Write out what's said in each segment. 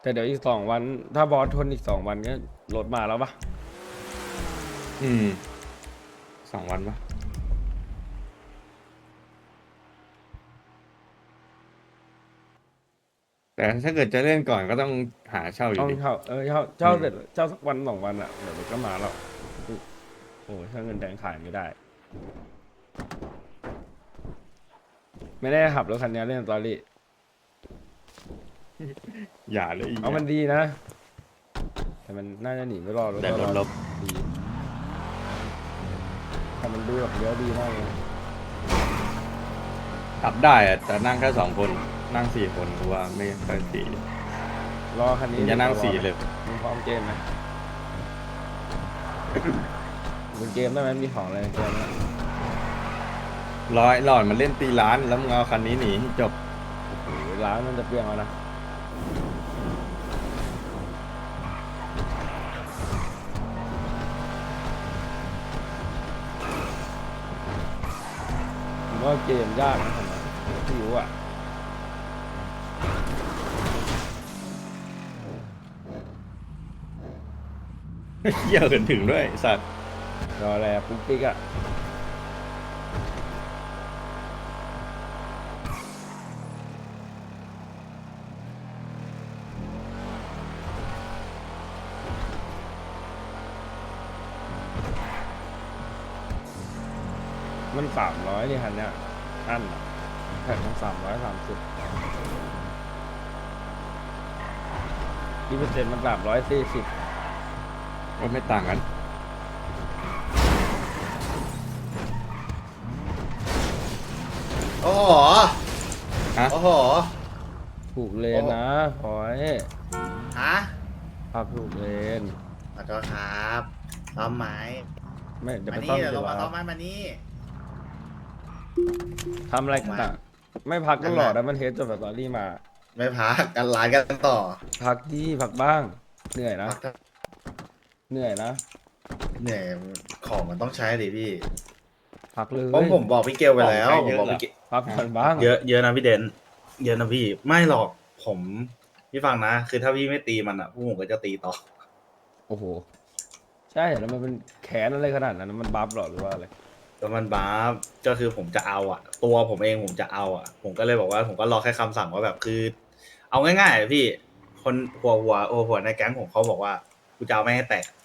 แต่เดี๋ยวอีก2 วันถ้าบอสทนอีก2 วันก็รถมาแล้วปะอืม2 วันปะแต่ถ้าเกิดจะเล่นก่อนก็ต้องหาเช่าอยู่ต้องดีเช่าอืมเสร็จเช่าสักวัน 2 วันอ่ะเดี๋ยวรถก็มาแล้วโอ้ยถ้าเงินแดงขายไม่ได้ไม่ได้ขับรถคันนี้เล่นสตอรี่อย่าเลยอีกเอามันดีนะแต่มันน่าจะหนีไม่รอดรถแต่รถลบดีแต่มันดูแบบเลี้ยวดีมากเลยขับได้อะแต่นั่งแค่2 คนนั่ง4 คนกูว่าไม่ค่อยสี่รอคันนี้มึงจะนั่ง4เลยมึงพร้อมเกมไหมมึงเกมได้ไหมมีของอะไรในเกมไหมหลอดมันเล่นตีร้านแล้วมึงเอาคันนี้หนีให้จบโอ้โหร้านมันจะเปรี้ยงแล้วนะผมว่าเกมยากนะผมไม่รู้อ่ะเหี้ยอะถึงด้วยไอ้สัตว์รอแลปุ๊กปิ๊กอ่ะมัน300นี่คันเนี้ยอันอะแผ่นมัน330ที่%มัน340 ก็ไม่ต่างกันโอ้โหฮะโอ้โหถูกเลนนะพอยฮะขับถูกเลนขอโทษครับซ้อมไม้ไม่เดี๋ยวมาไปซ่อนี่มเดี๋ยวดีเรากมาว่าซ้อมไม้มานี่ทำอะไรกันอ่ะไม่พักก็หลอดแล้วมันเทสจนแบบตอรี่มาไม่พักกันร้านกันต่อพักดีพักบ้าง เหนื่อยนะพักเถอะเหนื่อยนะเหนื่อยของมันต้องใช้ดิพี่พักเลยเพราะผมบอกพี่เกลไปแล้วของผใช้มเยอะบอกเหรอพี่เกลพักผ่อนบ้างเยอะนะพี่เดนเยอะนะพี่ ไม่หรอกผมพี่ฟังนะ คือถ้าพี่ไม่ตีมันอ่ะพวกผมก็จะตีต่อโอ้โห ใช่แล้วมันเป็นแขนอะไรขนาดนั้นมันบัฟหรอหรือว่าอะไรแล้วมันบ้าฟก็คือผมจะเอาอ่ะ ตัวผมเองผมจะเอาอ่ะ ผมก็เลยบอกว่าผมก็รอแค่คำสั่งว่าแบบคือ เอาง่ายๆอะพี่ คนหัวในแก๊งผมเขาบอกว่ากูจะเอาไม่ให้แตก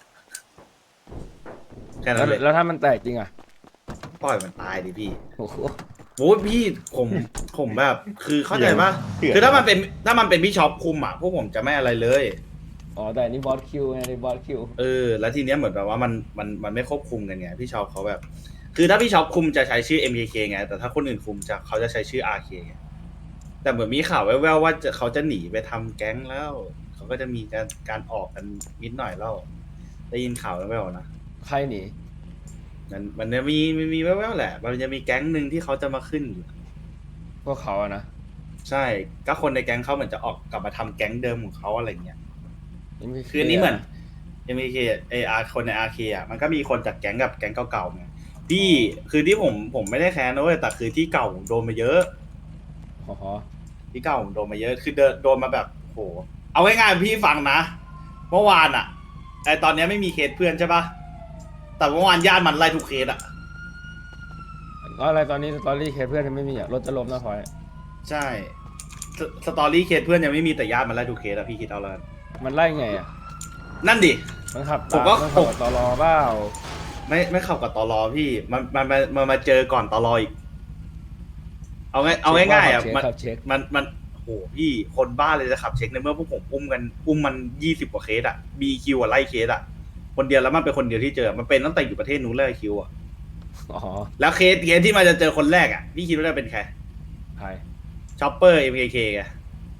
แค่นั้นเลยแล้วถ้ามันแตกจริงอ่ะปล่อยมันตายดิพี่โอ้โหโอ้ยพี่ผมแบบคือเข้าใจปะเถื่อนคือถ้ามันเป็นพี่ช็อปคุมอ่ะพวกผมจะไม่อะไรเลยอ๋อแต่อันนี่บอสคิวไงในบอสคิวแล้วทีเนี้ยเหมือนแบบว่ามันไม่ควบคุมกันไงพี่ช็อปเขาแบบ คือถ้าพี่ช็อปคุมจะใช้ชื่อ MKK ไงแต่ถ้าคนอื่นคุมเขาจะใช้ชื่อ RK ไงแต่เหมือนมีข่าวแว่วๆว่าเขาจะหนีไปทำแก๊งแล้วเขาก็จะมีการออกกันนิดหน่อยแล้วได้ยินข่าวแว่วๆนะใครหนีมันจะมีแว่วๆแหละมันจะมีแก๊งหนึ่งที่เขาจะมาขึ้นอยู่พวกเขาอะนะใช่ก็คนในแก๊งเขาเหมือนจะออกกลับมาทำแก๊งเดิมของเขาอะไรเงี้ยยังไม่คืออันนี้เหมือน MK คนใน RK อ่ะมันก็มีคนจากแก๊งกับแก๊งเก่าๆไงที่คือที่ผมไม่ได้แค้นนะเว้ยแต่คือที่เก่าผมโดนมาเยอะอ๋อที่เก่าผมโดนมาเยอะคือโดนมาแบบโหเอาง่ายๆพี่ฟังนะเมื่อวานอ่ะตอนเนี้ยไม่มีเคสเพื่อนใช่ปะแต่เมื่อวานญาติมันไล่ทุกเคสอ่ะอะไรตอนนี้สตอรี่เคสเพื่อนยังไม่มีอ่ะรถจะล้มนะพอยใช่สตอรี่เคสเพื่อนยังไม่มีแต่ญาติมันไล่ทุกเคสอ่ะพี่คิดเอาแล้วกันมันไล่ไงอ่ะนั่นดิมันขับผมก็มันขับกับตลอเปล่าไม่เข้ากับตอรอพี่มันมาเจอก่อนตอรออีก เอาง่ายๆอ่ะขับเช็คมันโหพี่คนบ้าเลยจะขับเช็คในเมื่อพวกผมอุ้มมัน20 กว่าเคสอ่ะมีคิวอ่ะไล่เคสอ่ะคนเดียวแล้วมันเป็นคนเดียวที่เจอมันเป็นตั้งแต่อยู่ประเทศนู้นเลยคิวอ่ะอ๋อแล้วเคสที่มันจะเจอคนแรกอ่ะพี่คิดว่าจะเป็นใครใครชอปเปอร์ MKK ไง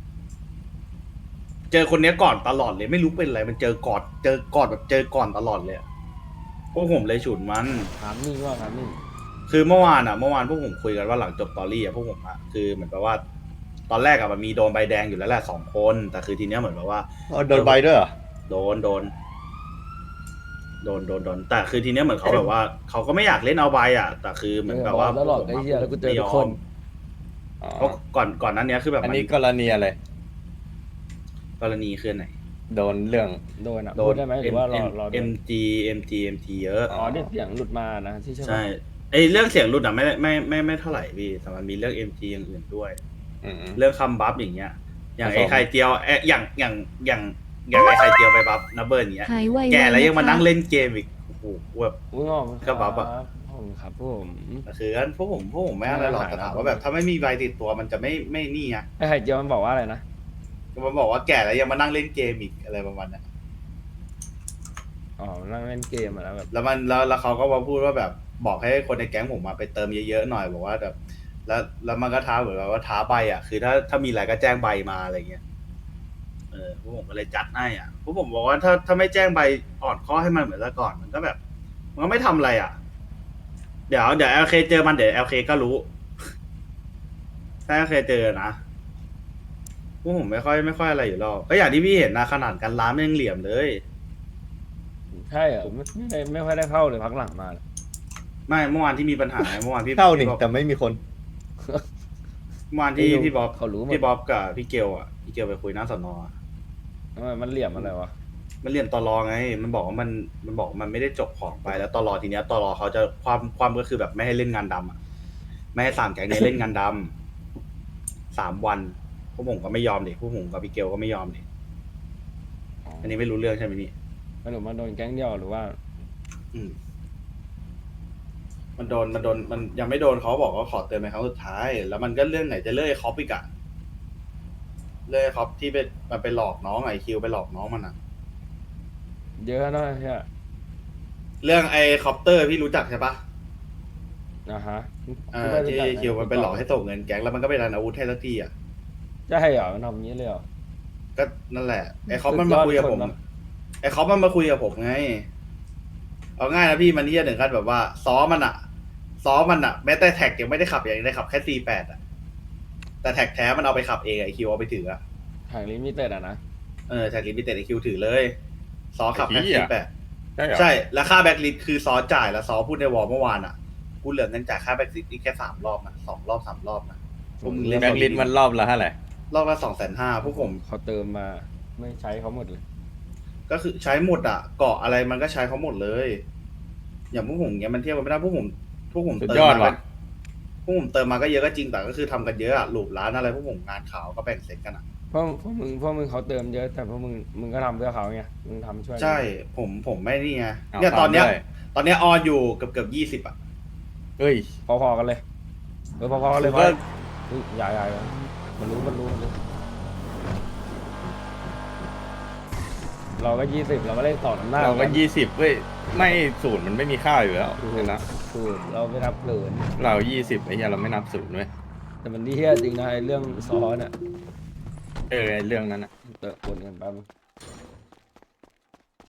เจอคนเนี้ยก่อนตลอดเลยไม่รู้เป็นอะไรมันเจอก่อนแบบเจอก่อนตลอดเลยอะพวกผมเลยฉุนมันถามนี่ว่าถามนี่คือเมื่อวานพวกผมคุยกันว่าหลังจบตอรี่อะพวกผมอะคือเหมือนแบบว่า ตอนแรกอะมันมีโดนใบแดงอยู่แล้วแหละ2 คนแต่คือทีเนี้ยเหมือนแบบว่าโดนใบด้วยเหรอโดนแต่คือทีเนี้ยเหมือนเขาแบบว่าเขาก็ไม่อยากเล่นเอาใบอะแต่คือเหมือนแบบว่าตลอดไอ้เหี้ยแล้วกูเจอทุกคนเพราะก่อนนั้นเนี้ยคือแบบอันมันนี้กรณีอะไรกรณีคืออนไหนโดนเรื่องโดนอ่ะพูดได้ไหมหรือว่ารอโดน MG เยอะอ๋อที่เสียงหลุดมานะที่ใช่ไหมใช่ไอเรื่องเสียงหลุดอ่ะไม่เท่าไหร่พี่แต่มันมีเรื่อง MG อย่างอื่นด้วยอืมเรื่องคำบัฟอย่างเงี้ย อย่างผสมไอ้ไข่เจียวอย่างไอ้ไข่เจียวไปบัฟนับเบิร์อย่างเงี้ยหายไวๆแก่แล้วยังมานะคะนั่งเล่นเกมอีกโอ้โหแบบอุ้ยงอกก็บัฟอะผมครับผมคือพวกผมไม่อะไรหรอกแต่ถามว่าแบบถ้าไม่มีใบติดตัวมันจะไม่นี่ไงไอ้ไข่เจียวมันบอกว่าอะไรนะมันบอกว่าแก่แล้วยังมานั่งเล่นเกมอีกอะไรประมาณนั้นอ๋อนั่งเล่นเกมอะแล้วแบบแล้วเขาก็มาพูดว่าแบบบอกให้คนในแก๊งผมมาไปเติมเยอะๆหน่อยบอกว่าแบบแล้วมันก็ท้าเหมือนกับว่าท้าใบอ่ะคือถ้ามีอะไรก็แจ้งใบมาอะไรเงี้ยพวกผมก็เลยจัดให้อ่ะพวกผมบอกว่าถ้าไม่แจ้งใบอ่อนข้อให้มันเหมือนแต่ก่อนมันก็แบบมันก็ไม่ทำอะไรอ่ะ เดี๋ยวLK เจอมันเดี๋ยวLK ก็รู้ ถ้าLK เจอนะพวกผมไม่ค่อยอะไรอยู่หรอกก็อย่างที่พี่เห็นนะขนาดการล้ามยังเหลี่ยมเลยใช่เหรอไม่ค่อยได้เข้าเลยพักหลังมาเนี่ยไม่เมื่อวานที่มีปัญหาเมื่อวานพี่เข้านี่พี่บ๊อบแต่ไม่มีคนเมื่อวานที่พี่บ๊อบเขารู้หมดพี่บ๊อบกับพี่เกลอ่ะพี่เกลไปคุยหน้าสนอะทำไมมันเหลี่ยมอะไรวะมันเรียนตลอไง มันบอกว่ามันบอกว่ามันไม่ได้จบของไปแล้วตลอทีเนี้ยตลอเขาจะความก็คือแบบไม่ให้เล่นงานดำอ่ะไม่ให้สามแก๊งเนี้ยเล่นงานดำ3 วันพวกผมก็ไม่ยอมดิพวกผมกับพี่เกลก็ไม่ยอมดิอันนี้ไม่รู้เรื่องใช่ไหมนี่ไม่รู้มันโดนแก๊งเดียวหรือว่าอืมมันโดนมันยังไม่โดนเขาบอกว่าขอเตือนเป็นครั้งสุดท้าย แล้วมันก็เรื่องไหนจะเลื่อยคอปอีกอะเลื่อยคอปที่มันไปหลอกน้องไอคิวไปหลอกน้องมันอะเยอะนะใช่เรื่องไอคอปเตอร์พี่รู้จักใช่ปะนะฮะที่คิวมันไปหลอกให้ส่งเงินแก๊งแล้วมันก็ไปรันอาวุธให้สักทีอะใช่เหรอมันทำอย่างนี้เลยเหรอก็นั่นแหละไอคอปมันมาคุยกับผมสุดยอดคนนะไอคอปมันมาคุยกับผมไงเอาง่ายนะพี่มันที่จะถึงขั้นแบบว่าซ้อมมันอะแม้แต่แท็กยังไม่ได้ขับยังได้ขับแค่C8อะแต่แท็กแท้มันเอาไปขับเองไอคิวเอาไปถืออะทางลิมิเต็ดอะนะแท็กลิมิเต็ดไอคิวถือเลยซอขับไอ้แค่เหี้ย C8 ใช่เหรอใช่แล้วค่าแบ็กลิสคือซอจ่ายแล้วซอพูดในวอลเมื่อวานอะกูเหลือเงินจ่ายค่าแบ็กลิสอีกแค่3 รอบนะ2 รอบ 3 รอบนะพวกมึงเล่นแบ็กลิสมันรอบละเท่าไหร่รอบละ250,000พวกผมเขาเติมมาไม่ใช้เขาหมดเลยก็คือใช้หมดอะเกาะอะไรมันก็ใช้เขาหมดเลย อย่างพวกผมเนี้ยมันเทียบกันไม่ได้พวกผมสุดเติมยอดมาว่ะพวกผมเติมมาก็เยอะก็จริงแต่ก็คือทำกันเยอะอะหลูบร้านอะไรพวกผมงานข่าวก็แบ่งเซ็ตกันอะพวกมึงเขาเติมเยอะแต่พวกมึงก็ทำเพื่อเขาไงมึงทำช่วยใช่ผมไม่นี่ไงเอาเนี่ยตอนเนี้ยด้วยตอนเนี้ยออนอยู่เกือบ20อะเฮ้ยพอๆกันเลยพอๆกันเลยก็ใหญ่มันรู้เราก็20เราก็เล่นต่อน้ำหน้าเราก็20เว้ยไม่ศูนย์มันไม่มีค่าอยู่แล้วเห็นนะถูกเราไม่นับเกินเรา20ไอ้เหี้ยเราไม่นับศูนย์เว้ยแต่มันที่เฮี้ยจริงนะไอ้เรื่องซ้อนอ่ะไอ้เรื่องนั้นอะเติมปนกันแป๊บ